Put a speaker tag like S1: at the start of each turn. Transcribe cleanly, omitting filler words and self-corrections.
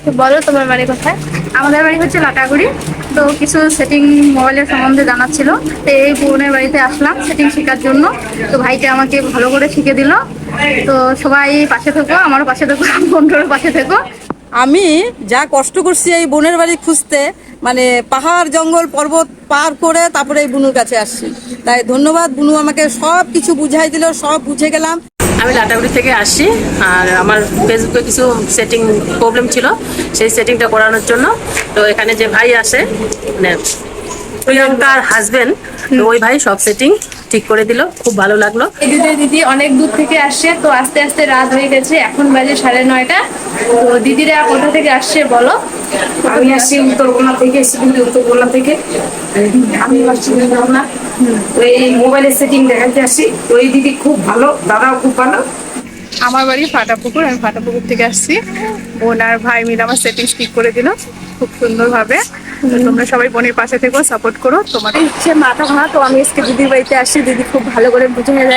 S1: তো বলো তোমার বাড়ি কোথায়? আমাদের বাড়ি হচ্ছে লাটাগুড়ি। তো কিছু সেটিং মোবাইলের সম্বন্ধে জানার ছিল, তো এই বোনের বাড়িতে আসলাম সেটিং শেখার জন্য। তো ভাইটা আমাকে ভালো করে শিখে দিল। তো সবাই পাশে থেকো, আমারও পাশে থেকো, বন্ধুরও পাশে থেকো।
S2: আমি যা কষ্ট করছি এই বোনের বাড়ি খুঁজতে, মানে পাহাড় জঙ্গল পর্বত পার করে তারপরে এই বুনুর কাছে আসছি। তাই ধন্যবাদ, বুনু আমাকে সব কিছু বুঝাই দিল, সব বুঝে গেলাম।
S3: আমি লাটাগুড়ি থেকে আসছি, আর আমার ফেসবুকে কিছু সেটিং প্রবলেম ছিল, সেই সেটিংটা করানোর জন্য। তো এখানে যে ভাই আসে, মানে প্রিয়াঙ্কার হাজবেন্ড, তো ওই ভাই সব সেটিং ঠিক করে দিল, খুব ভালো লাগলো।
S1: দিদি অনেক দূর থেকে আসছে, তো আস্তে আস্তে রাত হয়ে গেছে, এখন বাজে 9:30। তো দিদিরা কোথা থেকে আসছে বলো?
S4: আমি আসছি উত্তরকোনা থেকে, সিকিমে উত্তরকোনা থেকে। আমি আসছি উত্তরকোনা, তো এই মোবাইলের সেটিং দেখাতে আসছি। তো এই দিদি খুব ভালো, দাদাও খুব ভালো।
S5: আমার বাড়ি ফাটাপুকুর, আমি ফাটাপুকুর থেকে আসছি। বোন আর ভাই মিলে আমার সেটিংস ঠিক করে দিল খুব সুন্দরভাবে। তো তোমরা সবাই বোনের পাশে থেকো, সাপোর্ট করো। তোমাদের
S6: সে মাথা ভাঙা, তো আমি আজকে দিদির বাড়িতে আসছি। দিদি খুব ভালো করে বুঝে